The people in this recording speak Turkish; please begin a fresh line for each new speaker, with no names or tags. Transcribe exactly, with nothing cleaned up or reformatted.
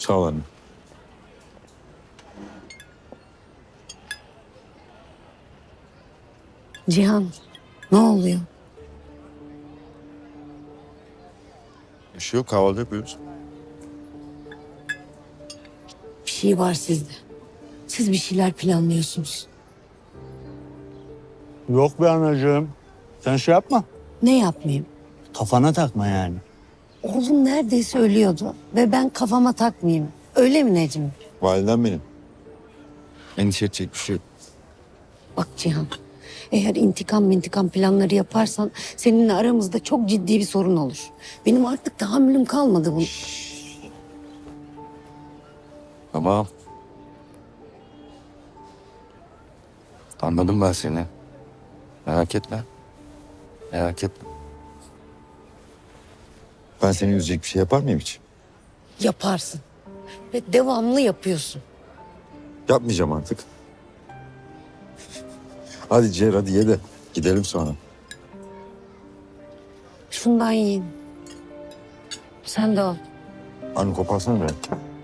Sağ ol anne.
Cihan, ne oluyor?
Bir şey yok, kahvaltı yapıyoruz.
Bir şey var sizde. Siz bir şeyler planlıyorsunuz.
Yok be anacığım. Sen şey yapma.
Ne yapmayayım?
Kafana takma yani.
Oğlum neredeyse ölüyordu ve ben kafama takmayayım. Öyle mi Necmi?
Validem benim. Endişe edecek bir şey yok.
Bak Cihan, eğer intikam intikam planları yaparsan seninle aramızda çok ciddi bir sorun olur. Benim artık tahammülüm kalmadı bunu.
Tamam. Anladım ben seni. Merak etme. Merak etme. Ben seni üzecek bir şey yapar mıyım hiç?
Yaparsın ve devamlı yapıyorsun.
Yapmayacağım artık. Hadi Ciğer, hadi ye de gidelim sonra.
Şundan yiyin. Sen de al.
Anne koparsana be.